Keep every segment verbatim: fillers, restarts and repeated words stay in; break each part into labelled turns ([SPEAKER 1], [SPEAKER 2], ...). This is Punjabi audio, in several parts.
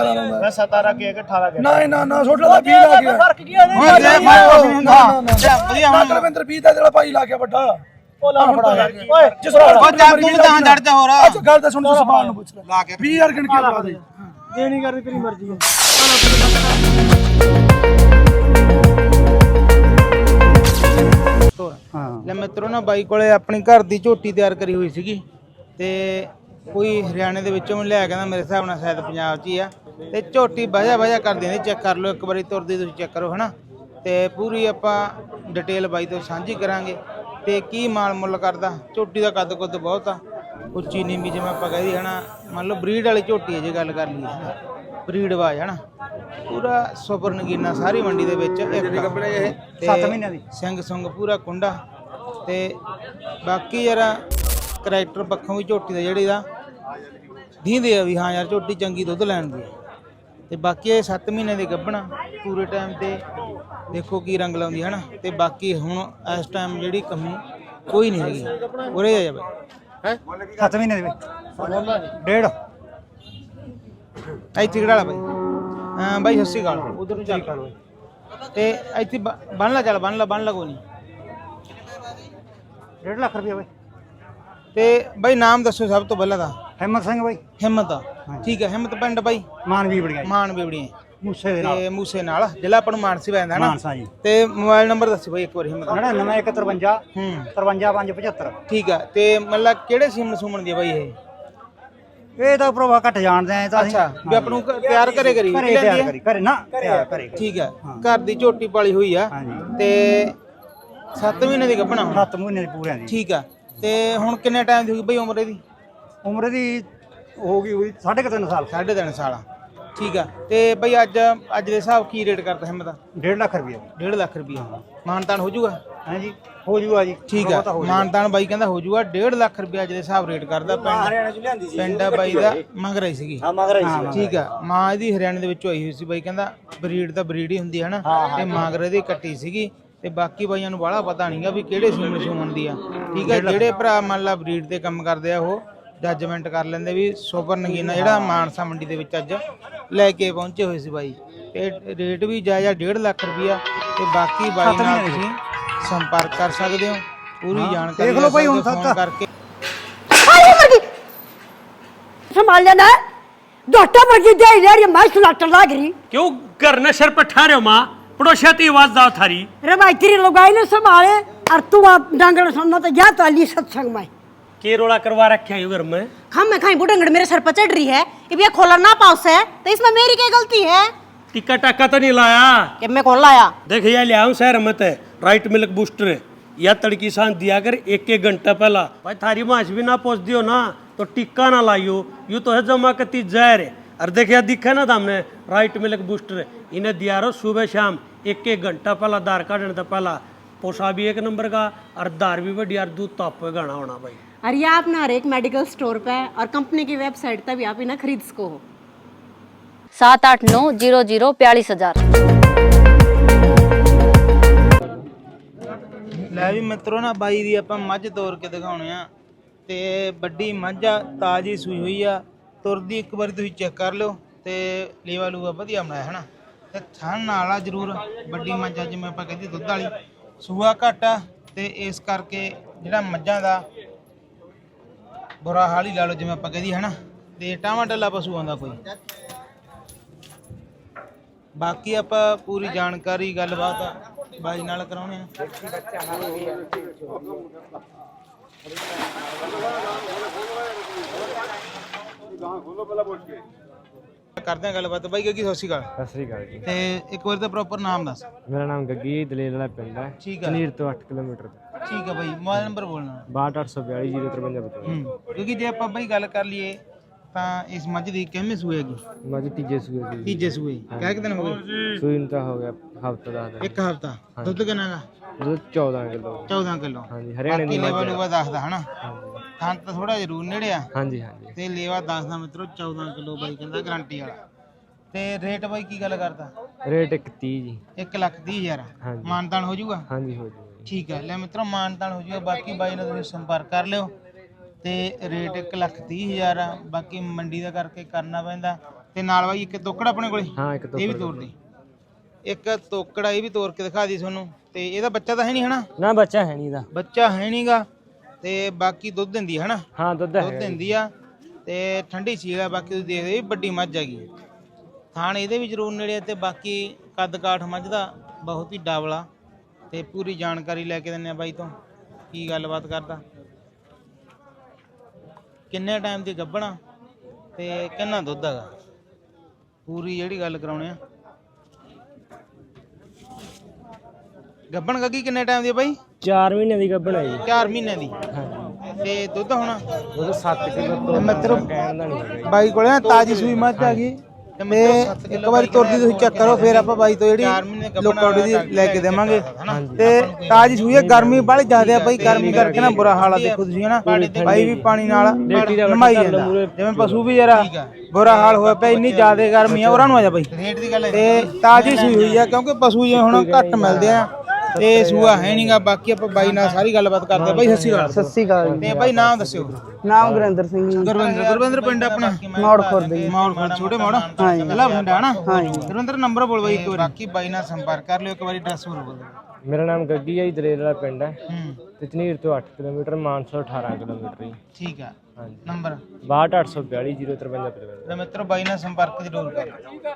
[SPEAKER 1] ਲਾਉਂਦਾ
[SPEAKER 2] ਮੈਂ सतारह के अठारह के
[SPEAKER 1] ਨਾ ਨਾ ਨਾ ਛੋਟਾ ਦਾ ਵੀਹ ਲਾ ਗਿਆ
[SPEAKER 2] फर्क की है
[SPEAKER 1] ਓਏ ਲੈ ਵਧੀਆ ਹੁਣ ਰਵਿੰਦਰ ਵੀਹ ਦਾ ਜਿਹੜਾ ਭਾਈ ਲਾ ਗਿਆ ਵੱਡਾ
[SPEAKER 2] ਉਹ ਲਾ ਫੜਾ
[SPEAKER 1] ਓਏ ਜਿਸ ਵਾਰ
[SPEAKER 3] ਉਹ ਜਾ ਤੂੰ ਤਾਂ ਜੜ ਜਾ ਹੋਰ
[SPEAKER 1] ਅੱਛਾ ਗੱਲ ਤਾਂ ਸੁਣ ਤੂੰ ਸਵਾਲ ਨੂੰ ਪੁੱਛ ਲੈ
[SPEAKER 3] ਲਾ ਕੇ
[SPEAKER 1] ਵੀਹ ਹਜ਼ਾਰ ਗਿਣ ਕੇ ਲਾ ਦੇ
[SPEAKER 2] देनी कर तेरी मर्जी है
[SPEAKER 3] ਲੈ ਮਿੱਤਰੋ ਨਾ ਬਾਈ ਕੋਲੇ ਆਪਣੀ ਘਰ ਦੀ ਝੋਟੀ ਤਿਆਰ ਕਰੀ ਹੋਈ ਸੀਗੀ ਤੇ ਕੋਈ ਹਰਿਆਣੇ ਦੇ ਵਿੱਚੋਂ ਮੈਨੂੰ ਲਿਆ ਕਹਿੰਦਾ ਮੇਰੇ ਹਿਸਾਬ ਨਾਲ ਸ਼ਾਇਦ ਪੰਜਾਬ 'ਚ ਹੀ ਆ ਤੇ ਝੋਟੀ ਵਜਾ ਵਜਾ ਕਰ ਦਿੰਦੀ ਚੈੱਕ ਕਰ ਲਓ ਇੱਕ ਵਾਰੀ ਤੁਰਦੀ ਤੁਸੀਂ ਚੈੱਕ ਕਰੋ ਹਨਾ ਤੇ ਪੂਰੀ ਆਪਾਂ ਡਿਟੇਲ ਬਾਈ ਤੋਂ ਸਾਂਝੀ ਕਰਾਂਗੇ ਤੇ ਕੀ ਮਾਲ ਮੁੱਲ ਕਰਦਾ ਝੋਟੀ ਦਾ ਕੱਦ ਕੁੱਦ ਬਹੁਤ ਆ ਉੱਚੀ ਨੀਵੀਂ ਜਿਵੇਂ ਆਪਾਂ ਕਹਿੰਦੇ ਹਨਾ ਮੰਨ ਲਓ ਬਰੀਡ ਵਾਲੀ ਝੋਟੀ ਹੈ ਜੇ ਗੱਲ ਕਰ ਲਈਏ ਬਰੀਡ ਵਾਜ ਹਨਾ ਪੂਰਾ ਸੁਪਰ ਨਗੀਨਾ ਸਾਰੀ ਮੰਡੀ ਦੇ ਵਿੱਚ ਇੱਕ ਕੱਪੜੇ ਇਹ ਸੱਤ ਮਹੀਨਿਆਂ ਦੀ ਸਿੰਘ ਸੁੰਗ ਪੂਰਾ ਕੁੰਡਾ ਤੇ ਬਾਕੀ ਯਾਰ ਕਰੈਕਟਰ ਪੱਖੋਂ ਵੀ ਝੋਟੀ ਦਾ ਜਿਹੜੀ ਦਾ ਦੀਂਦੇ ਆ ਵੀ ਹਾਂ ਯਾਰ ਝੋਟੀ ਚੰਗੀ ਦੁੱਧ ਲੈਣ ਦੀ ਤੇ ਬਾਕੀ ਇਹ ਸੱਤ ਮਹੀਨੇ ਦੀ ਗੱਭਣਾ ਪੂਰੇ ਟਾਈਮ ਤੇ ਦੇਖੋ ਕੀ ਰੰਗ ਲਾਉਂਦੀ ਹੈ ਨਾ ਤੇ ਬਾਕੀ ਹੁਣ ਇਸ ਟਾਈਮ ਜਿਹੜੀ ਕਮੀ ਕੋਈ ਨਹੀਂ ਹੈਗੀ ਉਰੇ ਆ ਜਾ ਬਾਈ ਹੈ
[SPEAKER 2] सत्त महीने डेढ़
[SPEAKER 3] ਇੱਥੇ ਕਿਹੜਾ ਬਾਈ ਹਾਂ ਬਾਈ ਸੱਸੀ ਗਾਲ ਉਧਰ ਨੂੰ ਚੱਲ ਕਰ ਤੇ ਇੱਥੇ ਬੰਨ ਲਾ ਚੱਲ ਬੰਨ ਲਾ ਬੰਨ ਲਾ ਕੋਈ ਨਹੀਂ
[SPEAKER 2] डेढ़ लाख रुपया भाई
[SPEAKER 3] ਤੇ ਬਾਈ ਨਾਮ ਦੱਸੋ ਸਭ ਤੋਂ ਪਹਿਲਾਂ ਦਾ
[SPEAKER 2] हिम्मत सिंह भाई
[SPEAKER 3] ਹਿੰਮਤ ਆ ਠੀਕ ਹੈ ਹਿੰਮਤ ਪਿੰਡ ਬਾਈ
[SPEAKER 2] मान भी बढ़िया
[SPEAKER 3] ਮਾਨ ਬੇਵੜੀਆਂ
[SPEAKER 2] मूसे
[SPEAKER 3] ਤੇ ਮੂਸੇ ਨਾਲ ਜ਼ਿਲ੍ਹਾ ਆਪਣਾ ਮਾਨਸੀ ਪੈਂਦਾ ਨਾ
[SPEAKER 2] मानसा जी
[SPEAKER 3] ਤੇ ਮੋਬਾਈਲ ਨੰਬਰ ਦੱਸੋ ਬਾਈ ਇੱਕ ਵਾਰ ਹਿੰਮਤ
[SPEAKER 2] नड़िनवे एक तरवंजा
[SPEAKER 3] ਹੂੰ
[SPEAKER 2] तरवंजा पांच पचहत्तर
[SPEAKER 3] ਠੀਕ ਆ ਤੇ ਮਤਲਬ ਕਿਹੜੇ ਸੀਮਨ ਸੂਮਨ ਦੀ ਆ ਬਾਈ ਇਹ
[SPEAKER 2] ਇਹ ਤਾਂ ਪ੍ਰਭਾ ਘੱਟ ਜਾਣਦੇ ਆ ਤਾਂ
[SPEAKER 3] ਅੱਛਾ ਵੀ ਆਪ ਨੂੰ ਘ- ਤਿਆਰ ਕਰੇ ਕਰੀ
[SPEAKER 2] ਘਰੇ
[SPEAKER 3] ਲੈਂਦੀ
[SPEAKER 2] ਤਿਆਰ
[SPEAKER 3] ਆ?
[SPEAKER 2] ਕਰੀ ਘਰੇ ਨਾ ਤਿਆਰ ਕਰੇ
[SPEAKER 3] ਠੀਕ ਆ ਘਰ ਦੀ ਝੋਟੀ ਪਾਲੀ ਹੋਈ ਆ
[SPEAKER 2] ਹਾਂਜੀ
[SPEAKER 3] ਤੇ ਸੱਤ ਮਹੀਨੇ ਦੀ ਗੱਭਣਾ ਹੁਣ
[SPEAKER 2] ਸੱਤ ਮਹੀਨੇ ਦੀ ਪੂਰਿਆਂ ਦੀ
[SPEAKER 3] ਠੀਕ ਆ ਤੇ ਹੁਣ ਕਿੰਨੇ ਟਾਈਮ ਦੀ ਹੋਈ ਬਈ ਉਮਰ ਇਹਦੀ
[SPEAKER 2] ਉਮਰ ਦੀ ਹੋ ਗਈ ਹੋਈ ਸਾਢੇ ਕੁ ਤਿੰਨ ਸਾਲ
[SPEAKER 3] ਸਾਢੇ ਤਿੰਨ ਸਾਲ ਆ ਠੀਕ ਆ ਤੇ ਬਈ ਅੱਜ ਅੱਜ ਦੇ ਹਿਸਾਬ ਕੀ ਰੇਟ ਕਰਦਾ ਹਿੰਮਤ ਦਾ
[SPEAKER 2] ਡੇਢ ਲੱਖ ਰੁਪਏ
[SPEAKER 3] ਡੇਢ ਲੱਖ ਰੁਪਈਆ ਮਾਨਤਾਨ ਹੋ ਜਾਊਗਾ
[SPEAKER 2] ਹਾਂਜੀ ਹੋ ਜੂਗਾ ਜੀ
[SPEAKER 3] ਠੀਕ ਆ ਮਾਨਤਾਨ ਬਾਈ ਕਹਿੰਦਾ ਹੋ ਜਾਊਗਾ ਡੇਢ ਲੱਖ ਰੁਪਈਆ ਅੱਜ ਦੇ ਹਿਸਾਬ ਰੇਟ ਕਰਦਾ ਪਿੰਡ
[SPEAKER 2] ਹਰਿਆਣਾ ਚ ਲਿਆਂਦੀ ਸੀ
[SPEAKER 3] ਪਿੰਡ ਆ ਬਾਈ ਦਾ ਮੰਗ ਰਹੀ ਸੀਗੀ
[SPEAKER 2] ਹਾਂ ਮਗਰ ਆਈ ਸੀ
[SPEAKER 3] ਠੀਕ ਆ ਮਾਂ ਇਹਦੀ ਹਰਿਆਣੇ ਦੇ ਵਿੱਚੋਂ ਆਈ ਹੋਈ ਸੀ ਬਾਈ ਕਹਿੰਦਾ ਬਰੀਡ ਤਾਂ ਬਰੀਡ ਹੀ ਹੁੰਦੀ ਹੈ ਨਾ ਤੇ ਮਾਂਗਰੇ ਦੀ ਕੱਟੀ ਸੀਗੀ ਤੇ ਬਾਕੀ ਬਾਈਆਂ ਨੂੰ ਬਾਹਲਾ ਪਤਾ ਨਹੀਂਗਾ ਵੀ ਕਿਹੜੇ ਸੀਮਨ ਸੂਮਨ ਦੀ ਆ ਠੀਕ ਆ ਜਿਹੜੇ ਭਰਾ ਮੰਨ ਲਾ ਬਰੀਡ ਤੇ ਕੰਮ ਕਰਦੇ ਆ ਉਹ ਜੱਜਮੈਂਟ ਕਰ ਲੈਂਦੇ ਵੀ ਸੁਪਰ ਨਗੀਨਾ ਜਿਹੜਾ ਮਾਨਸਾ ਮੰਡੀ ਦੇ ਵਿੱਚ ਅੱਜ ਲੈ ਕੇ ਪਹੁੰਚੇ ਹੋਏ ਸੀ ਬਾਈ ਤੇ ਰੇਟ ਵੀ ਜਾਇਜ਼ ਡੇਢ ਲੱਖ ਰੁਪਈਆ ਤੇ ਬਾਕੀ ਬਾਈ ਨਾਲ ਤੁਸੀਂ ਸੰਪਰਕ ਕਰ ਸਕਦੇ ਹੋ ਪੂਰੀ ਜਾਣਕਾਰੀ
[SPEAKER 2] ਦੇਖ ਲਓ ਬਾਈ ਹੁਣ
[SPEAKER 3] ਫੋਨ ਕਰਕੇ
[SPEAKER 4] संभाल लेना है डॉक्टर मर्जी दे रही मैं सुलाटर लाग रही
[SPEAKER 5] क्यों घर न सर पर ठहरे माँ पड़ोसियाती आवाज दाव थारी
[SPEAKER 4] रे भाई तेरी लुगाई ने संभाले और तू आप डांगड़ सुनना तो जा तो अली सत्संग में
[SPEAKER 5] के रोड़ा करवा रखे हैं घर में
[SPEAKER 6] हम मैं खाई बुढ़ंगड़ मेरे सर पर चढ़ रही है ये भैया खोला ना पाउस है तो इसमें मेरी क्या गलती है
[SPEAKER 5] टिक्का टाका तो नहीं लाया
[SPEAKER 6] कि मैं कौन लाया
[SPEAKER 5] देख ये लिया हूँ शहर मत है राइट मिल्क बूस्टर या तड़की सांस दिया कर एक एक घंटा पहला भाई थारी माछ भी ना पहुँच दियो ना तो टिक्का ना लाइयो यूँ तो है जमा कती जहर है और देखिए दिखा ना हमने राइट मिल्क बूस्टर इन्हें दिया रो सुबह शाम एक एक घंटा पहला दार काटने तो पहला पोसा भी एक नंबर का और दार भी बढ़िया दूध तो आप गाना होना भाई
[SPEAKER 6] और ये आप ना हर एक मेडिकल स्टोर पे और कंपनी की वेबसाइट पे भी आप इन्हें खरीद सको हो।
[SPEAKER 7] सात आठ नौ जीरो जीरो बयालीस हजार
[SPEAKER 3] ਲੈ ਵੀ ਮਿੱਤਰੋ ਨਾ ਬਾਈ ਦੀ ਆਪਾਂ ਮੱਝ ਤੋਰ ਕੇ ਦਿਖਾਉਣੇ ਆ ਤੇ ਵੱਡੀ ਮੱਝ ਆ ਤਾਜੀ ਸੂਈ ਹੋਈ ਆ ਤੁਰਦੀ ਇੱਕ ਵਾਰੀ ਤੁਸੀਂ ਚੈੱਕ ਕਰ ਲਿਓ ਤੇ ਲੇਵਾ ਲੂਆ ਵਧੀਆ ਬਣਾਇਆ ਹਨਾ ਤੇ ਥਣ ਨਾਲ ਆ ਜ਼ਰੂਰ ਵੱਡੀ ਮੱਝ ਆ ਜਿਵੇਂ ਆਪਾਂ ਕਹਿੰਦੇ ਦੁੱਧ ਵਾਲੀ ਸੂਆ ਘੱਟ ਆ ਤੇ ਇਸ ਕਰਕੇ ਜਿਹੜਾ ਮੱਝਾਂ ਦਾ ਬੁਰਾ ਹਾਲ ਹੀ ਲਾ ਲਓ ਜਿਵੇਂ ਆਪਾਂ ਕਹਿੰਦੇ ਹਨਾ ਤੇ ਟਾਵਾਂ ਟੱਲਾ ਪਸ਼ੂ ਆਉਂਦਾ ਕੋਈ ਬਾਕੀ ਆਪਾਂ ਪੂਰੀ ਜਾਣਕਾਰੀ ਗੱਲਬਾਤ ਬਾਈ ਨਾਲ ਕਰਾਉਣੇ ਆ ਕਰਦੇ ਆ ਗੱਲਬਾਤ ਬਾਈ ਗੱਗੀ ਸਤਿ ਸ਼੍ਰੀ ਅਕਾਲ
[SPEAKER 8] ਸਤਿ ਸ੍ਰੀ ਅਕਾਲ ਜੀ
[SPEAKER 3] ਤੇ ਇੱਕ ਵਾਰ ਤਾਂ ਪ੍ਰੋਪਰ ਨਾਮ ਦੱਸ
[SPEAKER 8] ਮੇਰਾ ਨਾਮ ਗੱਗੀ ਦਲੇਲ ਵਾਲਾ ਪਿੰਡ ਹੈ
[SPEAKER 3] ਠੀਕ ਆ
[SPEAKER 8] ਨੀਰ ਤੋਂ ਅੱਠ ਕਿਲੋਮੀਟਰ ਤੇ
[SPEAKER 3] ਠੀਕ ਆ ਬਾਈ ਮੋਬਾਈਲ ਨੰਬਰ ਬੋਲਣਾ
[SPEAKER 8] ਬਾਹਠ ਅੱਠ ਸੌ ਬਿਆਲੀ ਜ਼ੀਰੋ ਤਰਵੰਜਾ ਬਤਾਓ
[SPEAKER 3] ਹੂੰ ਕਿਉਂਕਿ ਜੇ ਆਪਾਂ ਬਾਈ ਗੱਲ ਕਰ ਲਈਏ ਤਾਂ ਇਸ ਮੱਝ ਦੀ ਕਿੰਨੇ ਸੂਏ ਹੈਗੀ
[SPEAKER 8] ਮੱਝ ਤੀਜੇ ਸੂਏ ਦੀ
[SPEAKER 3] ਤੀਜੇ ਸੂਏ ਕਹਿ ਕਿ ਦਿਨ ਹੋ ਗਏ
[SPEAKER 8] ਸੂਈ ਨੂੰ ਤਾਂ ਹੋ ਗਿਆ ਹਫਤਾ ਦਾ ਦਿਨ
[SPEAKER 3] ਇੱਕ ਹਫਤਾ ਦੁੱਧ ਕਿੰਨਾ ਗਾ
[SPEAKER 8] ਦੁੱਧ ਚੌਦਾਂ ਕਿਲੋ
[SPEAKER 3] ਚੌਦਾਂ ਕਿਲੋ
[SPEAKER 8] ਹਾਂਜੀ ਹਰਿਆਣੇ ਦੀ
[SPEAKER 3] ਲੇਵਾ
[SPEAKER 8] ਮੱਝ
[SPEAKER 3] ਲੂਵਾ ਦੱਸਦਾ ਹਨਾ ਥਾਂ ਤਾਂ ਥੋੜਾ ਜ਼ਰੂਰ ਨੇੜੇ ਆ
[SPEAKER 8] ਹਾਂਜੀ ਹਾਂਜੀ
[SPEAKER 3] ਤੇ ਲੇਵਾ ਦੱਸਦਾ ਮਿੱਤਰੋ ਚੌਦਾਂ ਕਿਲੋ ਬਾਈ ਕਹਿੰਦਾ ਗਾਰੰਟੀ ਵਾਲਾ ਤੇ ਰੇਟ ਬਾਈ ਕੀ ਗੱਲ ਕਰਦਾ
[SPEAKER 8] ਰੇਟ ਇੱਕ ਤੀਹ ਜੀ
[SPEAKER 3] ਇੱਕ ਲੱਖ ਤੀਹ ਹਜ਼ਾਰ
[SPEAKER 8] ਹਾਂਜੀ।
[SPEAKER 3] ਮਾਨਤਾਨ ਹੋ ਜਾਊਗਾ
[SPEAKER 8] ਹਾਂਜੀ ਹੋ ਜਾਊਗਾ ਜੀ।
[SPEAKER 3] ਠੀਕ ਹੈ ਲੈ ਮਿੱਤਰੋ ਮਾਨਤਾਨ ਹੋ ਜਾਊਗਾ ਬਾਕੀ ਬਾਈ ਨਾਲ ਤੁਸੀਂ ਸੰਪਰਕ ਕਰ ਲਿਓ ਤੇ ਰੇਟ ਇੱਕ ਲੱਖ ਤੀਹ ਹਜ਼ਾਰ ਆ ਬਾਕੀ ਮੰਡੀ ਦਾ ਕਰਕੇ ਕਰਨਾ ਪੈਂਦਾ ਤੇ ਨਾਲ ਬਾਈ ਇੱਕ ਤੋਕੜ ਆਪਣੇ ਕੋਲੇ
[SPEAKER 8] ਹਾਂ ਇੱਕ
[SPEAKER 3] ਇਹ ਵੀ ਤੋੜ ਦੇ। ਇੱਕ ਤੋਕੜਾ ਇਹ ਵੀ ਤੋੜ ਕੇ ਦਿਖਾ ਦੀ ਤੁਹਾਨੂੰ। ਤੇ ਇਹਦਾ ਬੱਚਾ ਤਾਂ ਹੈ ਨਹੀਂ ਹਨਾ?
[SPEAKER 8] ਨਾ ਬੱਚਾ ਹੈ ਨਹੀਂ ਦਾ।
[SPEAKER 3] ਬੱਚਾ ਹੈ ਨਹੀਂਗਾ ਤੇ ਬਾਕੀ ਦੁੱਧ ਦਿੰਦੀ ਹੈ ਹਨਾ?
[SPEAKER 8] ਹਾਂ ਦੁੱਧ
[SPEAKER 3] ਦੁੱਧ
[SPEAKER 8] ਹੈ
[SPEAKER 3] ਦਿੰਦੀ ਆ ਤੇ ਠੰਡੀ ਸੀਲ ਆ। ਬਾਕੀ ਤੁਸੀਂ ਦੇਖਦੇ ਵੀ ਵੱਡੀ ਮੱਝ ਹੈਗੀ। ਥਾਣ ਇਹਦੇ ਵੀ ਜ਼ਰੂਰ ਨੇੜੇ ਤੇ ਬਾਕੀ ਕੱਦ ਕਾਠ ਮੱਝ ਦਾ ਬਹੁਤ ਹੀ ਡਾਵਲਾ। ਤੇ ਪੂਰੀ ਜਾਣਕਾਰੀ ਲੈ ਕੇ ਦਿੰਨੇ ਆ ਬਾਈ ਤੋਂ ਕੀ ਗੱਲਬਾਤ ਕਰਦਾ, ਕਿੰਨੇ ਟਾਈਮ ਦੀ ਗੱਭਣਾ ਤੇ ਕਿੰਨਾ ਦੁੱਧ ਹੈਗਾ, ਪੂਰੀ ਜਿਹੜੀ ਗੱਲ ਕਰਾਉਣੇ ਆ। ਗੱਭਣ ਗੱਗੀ ਕਿੰਨੇ ਟਾਈਮ ਦੀ ਆ ਬਾਈ?
[SPEAKER 8] ਚਾਰ ਮਹੀਨੇ ਦੀ ਗੱਭਣ ਹੈ ਜੀ।
[SPEAKER 3] ਚਾਰ ਮਹੀਨੇ ਦੀ। ਤੇ ਦੁੱਧ ਹੋਣਾ
[SPEAKER 8] ਉਹਦਾ ਸੱਤ ਕਿਲੋ ਤੋਂ
[SPEAKER 3] ਮਿੱਤਰੋ
[SPEAKER 8] ਕਹਿਣ ਦਾ ਨਹੀਂ
[SPEAKER 3] ਬਾਈ ਕੋਲੇ ਨਾ ਤਾਜੀ ਸੂਈ ਮੱਝ ਆ ਗਈ ਤੇ ਇੱਕ ਵਾਰੀ ਤੁਰਦੀ ਤੁਸੀਂ ਚੈੱਕ ਕਰੋ, ਫਿਰ ਆਪਾਂ ਬਾਈ ਤੋਂ ਜਿਹੜੀ ਲੋਕੌਡੀ ਦੀ ਲੈ ਕੇ ਦੇਵਾਂਗੇ। ਤੇ ਤਾਜੀ ਸੂਈ ਹੈ, ਗਰਮੀ ਬੜੀ ਜ਼ਿਆਦਾ ਆ ਬਾਈ, ਗਰਮੀ ਕਰਕੇ ਨਾ ਬੁਰਾ ਹਾਲ ਆ। ਦੇਖੋ ਤੁਸੀਂ ਹਨਾ ਬਾਈ ਵੀ ਪਾਣੀ ਨਾਲ ਨਮਾਈ ਜਾਂਦਾ ਜਿਵੇਂ ਪਸ਼ੂ ਵੀ ਜਰਾ ਬੁਰਾ ਹਾਲ ਹੋਇਆ ਪਿਆ, ਇੰਨੀ ਜ਼ਿਆਦਾ ਗਰਮੀ ਆ। ਉਹਨਾਂ ਨੂੰ ਆ ਜਾ ਬਾਈ ਤੇ ਤਾਜੀ ਸੂਈ ਹੋਈ ਆ ਕਿਉਂਕਿ ਪਸ਼ੂ ਜਿਵੇਂ ਹੁਣ ਘੱਟ ਮਿਲਦੇ ਆ ਤੇ ਸੂਆ ਹੈ ਨਹੀਂਗਾ। ਬਾਕੀ ਆਪਾਂ ਬਾਈ ਨਾਲ ਸਾਰੀ ਗੱਲਬਾਤ ਕਰਦੇ ਆ। ਬਾਈ ਸਤਿ ਸ਼੍ਰੀ ਅਕਾਲ।
[SPEAKER 2] ਸਤਿ ਸ਼੍ਰੀ ਅਕਾਲ।
[SPEAKER 3] ਤੇ ਬਾਈ ਨਾਮ ਦੱਸਿਓ।
[SPEAKER 2] ਨਾਮ ਗੁਰਿੰਦਰ ਸਿੰਘ ਜੀ।
[SPEAKER 3] ਗੁਰਵਿੰਦਰ ਗੁਰਵਿੰਦਰ ਪਿੰਡ ਆਪਣਾ
[SPEAKER 2] ਮੌੜ ਖੁਰਦ ਜੀ।
[SPEAKER 3] ਮੌੜ ਖੁਰਦ ਛੋਟੇ ਮੌੜ
[SPEAKER 2] ਹਾਂਜੀ।
[SPEAKER 3] ਜ਼ਿਲ੍ਹਾ ਬਠਿੰਡਾ ਹਨਾ?
[SPEAKER 2] ਹਾਂਜੀ।
[SPEAKER 3] ਗੁਰਵਿੰਦਰ ਨੰਬਰ ਬੋਲ ਬਾਈ ਇੱਕ ਵਾਰੀ। ਬਾਕੀ ਬਾਈ ਨਾਲ ਸੰਪਰਕ ਕਰ ਲਿਓ ਇੱਕ ਵਾਰੀ। ਐਡਰੈਸ ਬੋਲ ਬੋਲ।
[SPEAKER 8] ਮੇਰਾ ਨਾਮ ਗੱਗੀ ਹੈ ਜੀ, ਦਲੇਰ ਵਾਲਾ ਪਿੰਡ ਹੈ
[SPEAKER 3] ਹੂੰ
[SPEAKER 8] ਤੇ ਝਨੀਰ ਤੋਂ ਅੱਠ ਕਿਲੋਮੀਟਰ, ਮਾਨਸਾ ਅਠਾਰਾਂ ਕਿਲੋਮੀਟਰ ਜੀ।
[SPEAKER 3] ਠੀਕ ਆ।
[SPEAKER 8] ਹਾਂਜੀ।
[SPEAKER 3] ਨੰਬਰ
[SPEAKER 8] ਬਾਹਠ ਅੱਠ ਸੌ ਬਿਆਲੀ ਜ਼ੀਰੋ ਤਰਵੰਜਾ ਪਚਵੰਜਾ।
[SPEAKER 3] ਲੈ ਮਿੱਤਰੋ ਬਾਈ ਨਾਲ ਸੰਪਰਕ ਜ਼ਰੂਰ ਕਰ।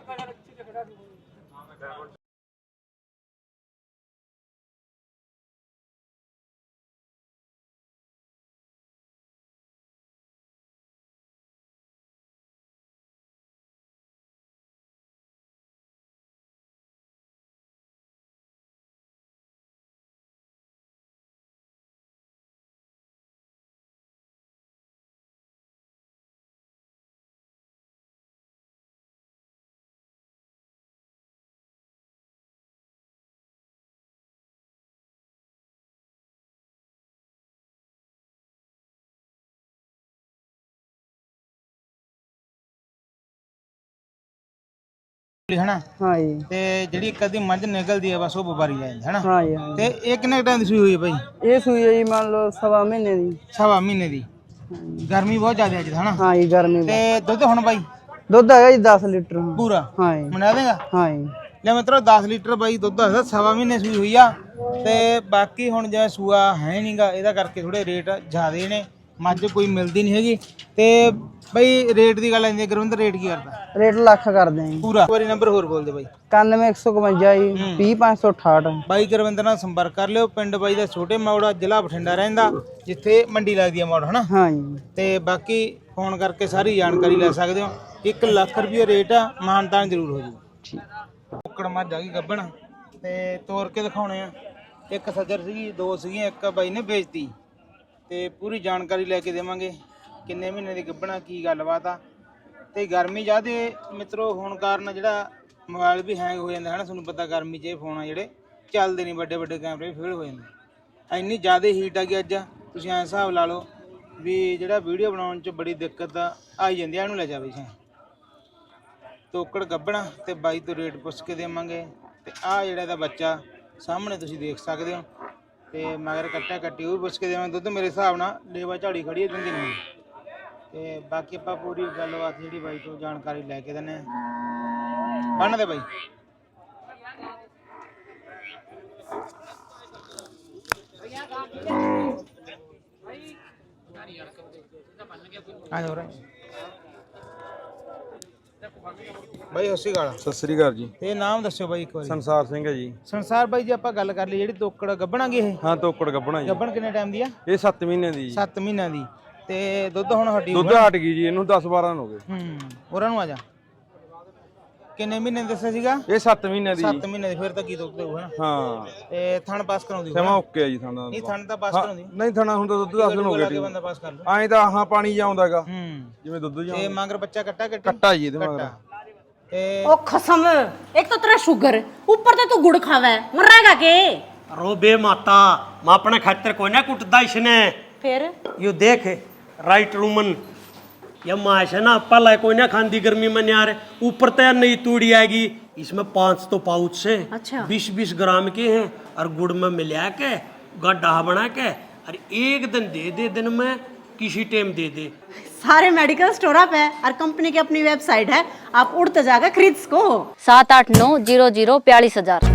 [SPEAKER 3] ਹਨਾ?
[SPEAKER 2] ਹਾਂ ਜੀ।
[SPEAKER 3] ਤੇ ਜਿਹੜੀ ਕਦੀ ਮੱਝ ਨਿਕਲਦੀ ਆ ਬਸ ਉਹ ਵਪਾਰੀ ਲੈ ਜਾਂਦਾ ਹਨਾ?
[SPEAKER 2] ਹਾਂ ਜੀ।
[SPEAKER 3] ਤੇ ਇਹ ਕਿੰਨੇ ਟਾਈਮ ਦੀ ਸੂਈ ਹੋਈ ਹੈ ਬਾਈ?
[SPEAKER 2] ਇਹ ਸੂਈ ਹੈ ਜੀ ਮੰਨ ਲਓ ਸਵਾ ਮਹੀਨੇ ਦੀ।
[SPEAKER 3] ਸਵਾ ਮਹੀਨੇ ਦੀ। ਗਰਮੀ ਬਹੁਤ ਜ਼ਿਆਦਾ ਅੱਜ ਹਨਾ?
[SPEAKER 2] ਹਾਂ ਜੀ ਗਰਮੀ।
[SPEAKER 3] ਤੇ ਦੁੱਧ ਹੁਣ ਬਾਈ
[SPEAKER 2] ਦੁੱਧ ਹੈਗਾ ਜੀ ਦਸ ਲੀਟਰ
[SPEAKER 3] ਪੂਰਾ?
[SPEAKER 2] ਹਾਂ ਜੀ।
[SPEAKER 3] ਮਨਾ ਦੇਗਾ?
[SPEAKER 2] ਹਾਂ ਜੀ।
[SPEAKER 3] ਲੈ ਮਿੱਤਰੋ ਦਸ ਲੀਟਰ ਬਾਈ ਦੁੱਧ ਹੈਗਾ, ਸਵਾ ਮਹੀਨੇ ਸੂਈ ਹੋਈ ਆ। ਤੇ ਬਾਕੀ ਹੁਣ ਜਿਵੇਂ ਸੂਆ ਹੈ ਨਹੀਂਗਾ ਇਹਦਾ ਕਰਕੇ ਥੋੜੇ ਰੇਟ ਜ਼ਿਆਦੇ ਨੇ, ਮੱਝ ਕੋਈ ਮਿਲਦੀ ਨਹੀਂ ਹੈਗੀ। ਤੇ ਬਾਈ ਰੇਟ ਦੀ ਗੱਲ ਆਂਦੀ ਗੁਰਵਿੰਦਰ, ਰੇਟ ਕੀ ਕਰਦਾ?
[SPEAKER 2] ਰੇਟ ਲੱਖ ਕਰਦੇ ਆਂ ਜੀ
[SPEAKER 3] ਪੂਰਾ। ਇੱਕ ਵਾਰੀ ਨੰਬਰ ਹੋਰ ਬੋਲ ਦੇ ਬਾਈ।
[SPEAKER 2] ਇਕਾਨਵੇਂ ਇੱਕ ਸੌ ਇਕਵੰਜਾ ਜੀ ਵੀਹ ਪੰਜ ਸੌ ਅਠਾਹਠ।
[SPEAKER 3] ਬਾਈ ਗੁਰਵਿੰਦਰ ਨਾਲ ਸੰਪਰਕ ਕਰ ਲਿਓ। ਪਿੰਡ ਬਾਈ ਦਾ ਛੋਟੇ ਮੌੜਾ, ਜ਼ਿਲ੍ਹਾ ਬਠਿੰਡਾ ਰਹਿੰਦਾ, ਜਿੱਥੇ ਮੰਡੀ ਲੱਗਦੀ ਆ ਮੌੜ ਹਨਾ?
[SPEAKER 2] ਹਾਂ ਜੀ।
[SPEAKER 3] ਤੇ ਬਾਕੀ ਫੋਨ ਕਰਕੇ ਸਾਰੀ ਜਾਣਕਾਰੀ ਲੈ ਸਕਦੇ ਹੋ। ਇੱਕ ਲੱਖ ਰੁਪਏ ਰੇਟ ਆ, ਮਾਨਤਾਨ ਜ਼ਰੂਰ ਹੋ ਜੂ। ਕੁੱਕੜ ਮੱਝ ਆ ਗਈ ਗੱਭਣ ਤੇ ਤੋੜ ਕੇ ਦਿਖਾਉਣੇ ਆ। ਇੱਕ ਸੱਜਰ ਸੀਗੀ, ਦੋ ਸੀਗੀਆਂ, ਇੱਕ ਬਾਈ ਨੇ ਵੇਚਤੀ। ਤੇ ਪੂਰੀ ਜਾਣਕਾਰੀ ਲੈ ਕੇ ਦੇਵਾਂਗੇ ਕਿੰਨੇ ਮਹੀਨੇ ਦੀ ਗੱਭਣਾ, ਕੀ ਗੱਲਬਾਤ ਆ। ਤੇ ਗਰਮੀ ਜ਼ਿਆਦੇ ਮਿੱਤਰੋ ਹੋਣ ਕਾਰਨ ਜਿਹੜਾ ਮੋਬਾਈਲ ਵੀ ਹੈਂਗ ਹੋ ਜਾਂਦਾ ਹੈ ਨਾ, ਤੁਹਾਨੂੰ ਪਤਾ ਗਰਮੀ 'ਚ ਇਹ ਫੋਨ ਆ ਜਿਹੜੇ ਚੱਲਦੇ ਨਹੀਂ, ਵੱਡੇ ਵੱਡੇ ਕੈਮਰੇ ਫੇਲ ਹੋ ਜਾਂਦੇ। ਇੰਨੀ ਜ਼ਿਆਦਾ ਹੀਟ ਆ ਗਈ ਅੱਜ, ਤੁਸੀਂ ਐਂ ਹਿਸਾਬ ਲਾ ਲਓ ਵੀ ਜਿਹੜਾ ਵੀਡੀਓ ਬਣਾਉਣ 'ਚ ਬੜੀ ਦਿੱਕਤ ਆਈ ਜਾਂਦੀ ਆ। ਇਹਨੂੰ ਲੈ ਜਾਵੇ ਸੀ ਤੋਕੜ ਗੱਭਣਾ ਤੇ ਬਾਈ ਤੋਂ ਰੇਟ ਪੁੱਛ ਕੇ ਦੇਵਾਂਗੇ। ਤੇ ਆਹ ਜਿਹੜਾ ਇਹਦਾ ਬੱਚਾ ਸਾਹਮਣੇ ਤੁਸੀਂ ਦੇਖ ਸਕਦੇ ਹੋ, ਤੇ ਮਗਰ ਕੱਟਿਆ ਕੱਟੀ ਉਹ ਵੀ ਪੁੱਛ ਕੇ ਦੇਵਾਂਗੇ। ਦੁੱਧ ਮੇਰੇ ਹਿਸਾਬ ਨਾਲ ਲੇਵਾ ਝਾੜੀ ਖੜੀ ਹੈ, ਦਿੰਦੀ ਨਹੀਂ। ਤੇ ਬਾਕੀ ਆਪਾਂ ਪੂਰੀ ਗੱਲਬਾਤ ਜਿਹੜੀ ਬਾਈ ਤੋਂ ਜਾਣਕਾਰੀ ਲੈ ਕੇ ਦਿੰਦੇ ਹਾਂ। ਬੰਨ ਦੇ ਬਾਈ। ਆ ਜਾ ਬਾਈ। ਸਤਿ ਸ਼੍ਰੀ ਅਕਾਲ।
[SPEAKER 1] ਸਤਿ ਸ੍ਰੀ ਅਕਾਲ ਜੀ।
[SPEAKER 3] ਤੇ ਨਾਮ ਦੱਸਿਓ ਬਾਈ ਇੱਕ ਵਾਰੀ।
[SPEAKER 1] ਸੰਸਾਰ ਸਿੰਘ ਹੈ ਜੀ।
[SPEAKER 3] ਸੰਸਾਰ ਬਾਈ ਜੀ, ਆਪਾਂ ਗੱਲ ਕਰ ਲਈ ਜਿਹੜੀ ਤੋਕੜ ਗੱਭਣਾਂਗੇ ਇਹ?
[SPEAKER 1] ਹਾਂ ਤੋਕੜ ਗੱਭਣਾ ਜੀ।
[SPEAKER 3] ਗੱਭਣ ਕਿੰਨੇ ਟਾਈਮ ਦੀ ਆ?
[SPEAKER 1] ਇਹ ਸੱਤ ਮਹੀਨੇ ਦੀ ਜੀ।
[SPEAKER 3] ਸੱਤ ਮਹੀਨਿਆਂ ਦੀ। ਤੇ ਦੁੱਧ ਹੁਣ ਹੱਡੀ
[SPEAKER 1] ਦੁੱਧ ਹਟ ਗਈ ਜੀ, ਇਹਨੂੰ ਦਸ ਬਾਰਾਂ ਹੋ ਗਏ।
[SPEAKER 3] ਹੂੰ ਉਹਨਾਂ ਨੂੰ ਆ ਜਾ। ਕਿੰਨੇ ਮਹੀਨੇ ਦੱਸਿਆ ਸੀਗਾ?
[SPEAKER 1] ਇਹ ਸੱਤ ਮਹੀਨੇ ਦੀ।
[SPEAKER 3] ਸੱਤ ਮਹੀਨੇ ਦੀ। ਫਿਰ ਤਾਂ ਕੀ ਦੁੱਧ ਦੇਊ ਹਨਾ?
[SPEAKER 1] ਹਾਂ।
[SPEAKER 3] ਤੇ ਥਣ ਪਾਸ ਕਰਾਉਂਦੀ
[SPEAKER 1] ਸਮਾਂ ਓਕੇ ਆ ਜੀ ਥਾਣਾ।
[SPEAKER 3] ਨਹੀਂ ਥਣ ਤਾਂ ਪਾਸ ਕਰਾਉਂਦੀ
[SPEAKER 1] ਨਹੀਂ ਥਾਣਾ ਹੁੰਦਾ ਦੁੱਧ ਦਸ ਦਿਨ ਹੋ ਗਏ।
[SPEAKER 3] ਬੰਦਾ ਪਾਸ ਕਰ ਲੂ
[SPEAKER 1] ਐਂ ਤਾਂ ਆਹਾਂ ਪਾਣੀ ਜਾਉਂਦਾਗਾ
[SPEAKER 3] ਹੂੰ
[SPEAKER 1] ਜਿਵੇਂ ਦੁੱਧ
[SPEAKER 3] ਤੇ
[SPEAKER 1] ਜਾਂਦਾ।
[SPEAKER 3] ਮਗਰ ਬੱਚਾ ਕੱਟਾ ਕੱਟੀ
[SPEAKER 1] ਕੱਟਾ ਜੀ ਇਹਦੇ ਮਗਰ।
[SPEAKER 3] ਤੇ
[SPEAKER 6] ओ खसम, एक तो तेरा शुगर, ऊपर से तू गुड़ खावा है, मर रहेगा के?
[SPEAKER 5] रो बे माता, मैं अपने खातर कोई ना कुटदा इसने।
[SPEAKER 6] फिर
[SPEAKER 5] यू देख राइट रूमन, ये माश है ना पला कोई ना खांदी गर्मी में यार। ऊपर तो नई तूड़ी आएगी, इसमें पांच तो पाउच से
[SPEAKER 6] अच्छा।
[SPEAKER 5] बीस बीस ग्राम के हैं और गुड़ में मिला के गड्ढा बना के और एक दिन दे दे दिन में किसी टाइम दे दे।
[SPEAKER 6] सारे मेडिकल स्टोर अप है और कंपनी की अपनी वेबसाइट है, आप उड़ते जाकर खरीद सको।
[SPEAKER 7] सात आठ नौ जीरो जीरो बयालीस हजार।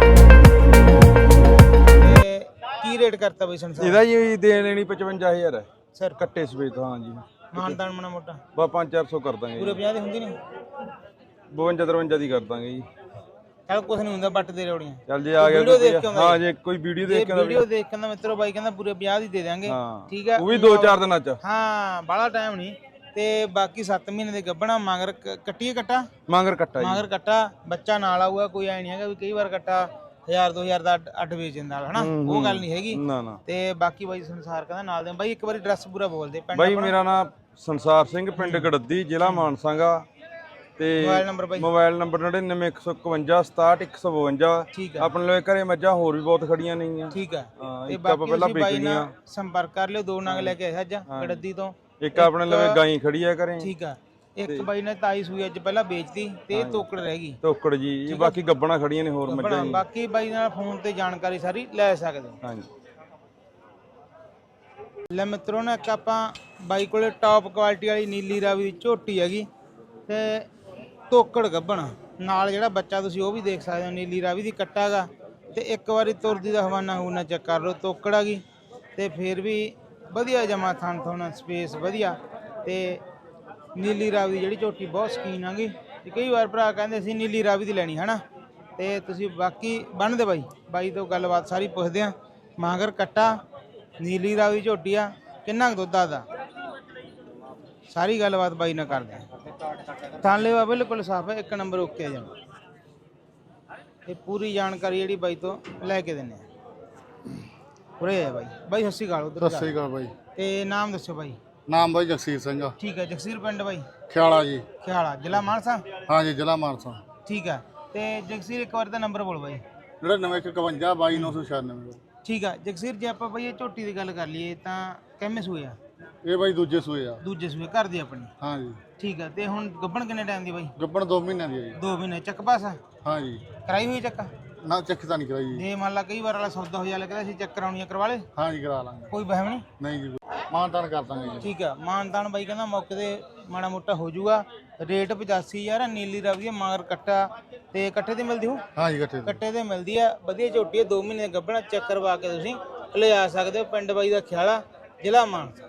[SPEAKER 3] ਤੇ ਕੀ ਰੇਟ ਕਰਤਾ ਬਈ ਸੰਸਾਰ
[SPEAKER 9] ਇਹਦਾ ਜੀ ਦੇ ਲੈਣੀ ਪਚਵੰਜਾ ਹਜ਼ਾਰ ਹੈ
[SPEAKER 3] ਸਰ?
[SPEAKER 9] ਕੱਟੇ ਸਵੇਤ। ਹਾਂ ਜੀ
[SPEAKER 3] ਮਾਨਦਾਨ ਮਣਾ ਮੋਟਾ
[SPEAKER 9] ਬਾ ਪੰਜ ਚਾਰ ਸੌ ਕਰ ਦਾਂਗੇ
[SPEAKER 3] ਪੂਰੇ ਪੰਜਾਹ ਦੀ ਹੁੰਦੀ ਨਹੀਂ?
[SPEAKER 9] ਬਵੰਜਾ ਤਰਵੰਜਾ ਦੀ ਕਰ ਦਾਂਗੇ ਜੀ।
[SPEAKER 3] ਚੱਲ ਕੁਛ ਨਹੀਂ ਹੁੰਦਾ, ਬੱਟ ਦੇ ਰੋੜੀਆਂ।
[SPEAKER 9] ਚੱਲ ਜੇ ਆ ਗਿਆ
[SPEAKER 3] ਵੀਡੀਓ
[SPEAKER 9] ਕੋਈ-
[SPEAKER 3] ਦੇਖ ਕੇ ਆਉਂਦਾ
[SPEAKER 9] ਹਾਂ
[SPEAKER 3] ਜੀ।
[SPEAKER 9] ਜੇ ਕੋਈ ਵੀਡੀਓ
[SPEAKER 3] ਜੇ
[SPEAKER 9] ਦੇਖ ਕੇ ਆਉਂਦਾ
[SPEAKER 3] ਵੀਡੀਓ ਦੇਖ ਕੇ ਨਾ ਮਿੱਤਰੋ ਬਾਈ ਕਹਿੰਦਾ ਪੂਰੇ ਪੰਜਾਹ ਦੀ ਦੇ ਦਿਆਂਗੇ।
[SPEAKER 9] ਹਾਂ
[SPEAKER 3] ਠੀਕ ਹੈ,
[SPEAKER 9] ਉਹ ਵੀ ਦੋ ਚਾਰ ਦਿਨਾਂ ਚ।
[SPEAKER 3] ਹਾਂ ਬਾਹਲਾ ਟਾਈਮ ਨਹੀਂ। ਤੇ ਬਾਕੀ ਸੱਤ ਮਹੀਨੇ ਦੇ ਗੱਭਣਾ ਮਗਰ ਕ- ਕੱਟੀਏ ਕੱਟਾ
[SPEAKER 9] ਮਾਂਗਰ ਕੱਟਾ ਜੀ।
[SPEAKER 3] ਮਗਰ ਕੱਟਾ ਬੱਚਾ ਨਾਲ ਆਊਗਾ, ਕੋਈ ਐ ਨਹੀਂ ਹੈਗਾ ਵੀ ਕਈ ਵਾਰ ਕੱਟਾ ਹਜ਼ਾਰ ਦੋ ਹਜ਼ਾਰ ਦਾ ਅੱਡ- ਅੱਡ ਵੇਚ ਦਿੰਦਾ ਹਨਾ, ਉਹ ਗੱਲ ਨਹੀਂ ਹੈਗੀ।
[SPEAKER 9] ਨਾ ਨਾ
[SPEAKER 3] ਤੇ ਬਾਕੀ ਬਾਈ ਸੰਸਾਰ ਕਹਿੰਦਾ ਨਾਲ ਦੇ ਬਾਈ ਇੱਕ ਵਾਰੀ ਐਡਰੈਸ ਪੂਰਾ ਬੋਲ ਦੇ ਪਿੰਡ
[SPEAKER 9] ਬਾਈ
[SPEAKER 3] ਆਪਣਾ।
[SPEAKER 9] ਮੇਰਾ ਨਾਮ ਸੰਸਾਰ ਸਿੰਘ, ਪਿੰਡ ਗੜੱਦੀ, ਜ਼ਿਲ੍ਹਾ ਮਾਨਸਾਗਾ। ਤੇ
[SPEAKER 3] ਮੋਬਾਈਲ ਨੰਬਰ ਬਾਈ?
[SPEAKER 9] ਮੋਬਾਈਲ ਨੰਬਰ ਨੜਿਨਵੇਂ ਇੱਕ ਸੌ ਇਕਵੰਜਾ ਸਤਾਹਠ ਇੱਕ ਸੌ ਬਵੰਜਾ।
[SPEAKER 3] ਠੀਕ ਹੈ,
[SPEAKER 9] ਆਪਣੇ ਲਈ ਘਰੇ ਮੱਝਾਂ ਹੋਰ ਵੀ ਬਹੁਤ ਖੜੀਆਂ ਨੇਗੀਆਂ।
[SPEAKER 3] ਠੀਕ ਹੈ।
[SPEAKER 9] ਹਾਂ,
[SPEAKER 3] ਤੇ
[SPEAKER 9] ਇੱਕ ਆਪਾਂ
[SPEAKER 3] ਬਾਕੀ
[SPEAKER 9] ਪਹਿਲਾਂ
[SPEAKER 3] ਤੁਸੀਂ ਬਾਈ
[SPEAKER 9] ਵੇਚਣੀਆਂ।
[SPEAKER 3] ਨਾਲ ਸੰਪਰਕ ਕਰ ਲਿਓ। ਦੋ ਨਗ ਲੈ ਕੇ ਆਇਆ ਅੱਜ ਗੜੱਦੀ ਤੋਂ।
[SPEAKER 9] ਇੱਕ ਆਪਣੇ ਲਈ ਗਾਈ ਖੜੀ ਆ ਘਰੇ।
[SPEAKER 3] ਠੀਕ ਆ। ਇੱਕ ਬਾਈ ਨੇ ਤਾਈ ਸੂਈ ਅੱਜ ਪਹਿਲਾਂ ਵੇਚਤੀ ਤੇ ਇਹ ਤੋਕੜ ਰਹਿ ਗਈ।
[SPEAKER 9] ਤੋਕੜ ਜੀ, ਬਾਕੀ ਗੱਬਣਾ ਖੜੀਆਂ ਨੇ ਹੋਰ ਮੱਝਾਂ ਜੀ।
[SPEAKER 3] ਬਾਕੀ ਬਾਈ ਨਾਲ ਫੋਨ ਤੇ ਜਾਣਕਾਰੀ ਸਾਰੀ ਲੈ ਸਕਦੇ ਹੋ।
[SPEAKER 9] ਹਾਂਜੀ
[SPEAKER 3] ਲੈ ਮਿੱਤਰੋ ਨੇ ਇੱਕ ਆਪਾਂ ਬਾਈ ਕੋਲੇ ਟੌਪ ਕੁਆਲਿਟੀ ਵਾਲੀ ਨੀਲੀ ਰਾਵੀ ਦੀ ਝੋਟੀ ਹੈਗੀ ਤੇ ਤੋਕੜ ਗੱਬਣ ਨਾਲ ਜਿਹੜਾ ਬੱਚਾ ਤੁਸੀਂ ਉਹ ਵੀ ਦੇਖ ਸਕਦੇ ਹੋ। ਨੀਲੀ ਰਾਵੀ ਦੀ ਕੱਟਾ ਗਾ ਤੇ ਇੱਕ ਵਾਰੀ ਤੁਰਦੀ ਦਾ ਹਵਾਨਾ ਹੂਨਾ ਚੈੱਕ ਕਰ ਲਓ। ਤੋਕੜ ਆ ਗਈ ਤੇ ਫਿਰ ਵੀ ਵਧੀਆ ਜਮਾ ਥਣ ਥੋਣਾ ਸਪੇਸ ਵਧੀਆ। ਤੇ ਨੀਲੀ ਰਾਵੀ ਦੀ ਜਿਹੜੀ ਝੋਟੀ ਬਹੁਤ ਸ਼ਕੀਨ ਆ ਗਈ ਤੇ ਕਈ ਵਾਰ ਭਰਾ ਕਹਿੰਦੇ ਸੀ ਨੀਲੀ ਰਾਵੀ ਦੀ ਲੈਣੀ ਹਨਾ। ਤੇ ਤੁਸੀਂ ਬਾਕੀ ਬਣਦੇ ਬਾਈ ਬਾਈ ਤੋਂ ਗੱਲਬਾਤ ਸਾਰੀ ਪੁੱਛਦੇ ਆ। ਮਾਂਗਰ ਕੱਟਾ ਨੀਲੀ ਰਾਵੀ ਝੋਟੀ ਆ, ਕਿੰਨਾ ਕੁ ਦੁੱਧ ਆਦਾ ਸਾਰੀ ਗੱਲਬਾਤ ਬਾਈ ਨਾਲ ਕਰਦੇ ਆ। ਥਾਲੇ ਵਾ ਬਿਲਕੁਲ ਸਾਫ ਹੈ, ਇੱਕ ਨੰਬਰ ਓਕੇ ਆ ਜਮਾ। ਇਹ ਪੂਰੀ ਜਾਣਕਾਰੀ ਜਿਹੜੀ ਬਾਈ ਤੋਂ ਲੈ ਕੇ ਦਿੰਦੇ ਆ। ਉਰੇ ਆ ਬਾਈ। ਬਾਈ ਸਤਿ ਸ਼੍ਰੀ ਅਕਾਲ। ਉਧਰ
[SPEAKER 10] ਸਤਿ ਸ੍ਰੀ ਅਕਾਲ ਬਾਈ।
[SPEAKER 3] ਤੇ ਨਾਮ ਦੱਸੋ ਬਾਈ?
[SPEAKER 10] ਨਾਮ ਬਾਈ ਜਗਸੀਰ ਸਿੰਘ ਆ।
[SPEAKER 3] ਠੀਕ ਹੈ, ਜਗਸੀਰ ਪਿੰਡ ਬਾਈ?
[SPEAKER 10] ਖਿਆਲਾ ਜੀ।
[SPEAKER 3] ਖਿਆਲਾ, ਜ਼ਿਲ੍ਹਾ ਮਾਨਸਾ?
[SPEAKER 10] ਹਾਂ ਜੀ, ਜ਼ਿਲ੍ਹਾ ਮਾਨਸਾ।
[SPEAKER 3] ਠੀਕ ਹੈ। ਤੇ ਜਗਸੀਰ ਇੱਕ ਵਾਰ ਦਾ ਨੰਬਰ ਬੋਲ ਬਾਈ।
[SPEAKER 10] ਨੜਿਨਵੇਂ ਇੱਕ ਇਕਵੰਜਾ ਬਾਈ ਨੌ ਸੌ ਛਿਆਨਵੇਂ।
[SPEAKER 3] ਠੀਕ ਆ ਜਗਸੀਰ, ਜੇ ਆਪਾਂ ਬਾਈ ਇਹ ਝੋਟੀ ਦੀ ਗੱਲ ਕਰ ਲਈਏ ਤਾਂ ਕਿੰਨੇ ਸੂਏ ਆ?
[SPEAKER 10] ਇਹ ਬਾਈ ਦੂਜੇ ਸੂਏ ਆ।
[SPEAKER 3] ਦੂਜੇ ਸੂਏ ਘਰ ਦੀ ਆਪਣੀ?
[SPEAKER 10] ਹਾਂ ਜੀ।
[SPEAKER 3] ਠੀਕ ਆ। ਤੇ ਹੁਣ ਗੱਭਣ ਕਿੰਨੇ ਟਾਈਮ ਦੀ ਬਾਈ?
[SPEAKER 10] ਗੱਬਣ ਦੋ ਮਹੀਨਿਆਂ ਦੀ ਆ ਜੀ।
[SPEAKER 3] ਦੋ ਮਹੀਨੇ ਚੱਕ ਪਾਸਾ?
[SPEAKER 10] ਹਾਂ ਜੀ।
[SPEAKER 3] ਕਰਾਈ ਹੋਈ ਚੱਕ?
[SPEAKER 10] ਨਾ ਚੱਕ ਤਾਂ ਨਹੀਂ ਕਰਾਈ ਜੀ।
[SPEAKER 3] ਜੇ ਮੰਨ ਲਾ ਕਈ ਵਾਰ ਵਾਲਾ ਸੌਦਾ ਹੋ ਜਾ ਲੱਗਦਾ ਸੀ ਚੈੱਕ ਕਰਾਉਣੀਆਂ ਕਰਵਾ ਲੇ?
[SPEAKER 10] ਹਾਂ ਜੀ, ਕਰਾ ਲਾਂਗੇ।
[SPEAKER 3] ਕੋਈ ਵਹਿਮ ਨਹੀਂ?
[SPEAKER 10] ਨਹੀਂ ਜੀ, ਮਾਨਤਾਨ ਕਰ ਦਾਂਗੇ ਜੀ।
[SPEAKER 3] ਠੀਕ ਆ। ਮਾਨਤਾਨ ਬਾਈ ਕਹਿੰਦਾ ਮੌਕੇ ਤੇ ਮਾੜਾ ਮੋਟਾ ਹੋ ਜਾਊਗਾ। ਰੇਟ ਪਚਾਸੀ ਹਜ਼ਾਰ ਆ। ਨੀਲੀ ਰਾਵੀ ਮਗਰ ਕੱਟਾ ਤੇ ਕੱਟੇ ਤੇ ਮਿਲਦੀ ਹੋ?
[SPEAKER 10] ਹਾਂ ਜੀ, ਇਕੱਠੇ
[SPEAKER 3] ਕੱਟੇ ਤੇ ਮਿਲਦੀ ਆ। ਵਧੀਆ ਝੋਟੀ ਆ, ਦੋ ਮਹੀਨੇ ਗੱਭਣਾ ਚੈੱਕ ਕਰਵਾ ਕੇ ਤੁਸੀਂ ਲਿਆ ਸਕਦੇ ਹੋ। ਪਿੰਡ ਬਾਈ ਦਾ ਖਿਆਲਾ, ਜ਼ਿਲ੍ਹਾ ਮਾਨਸਾ।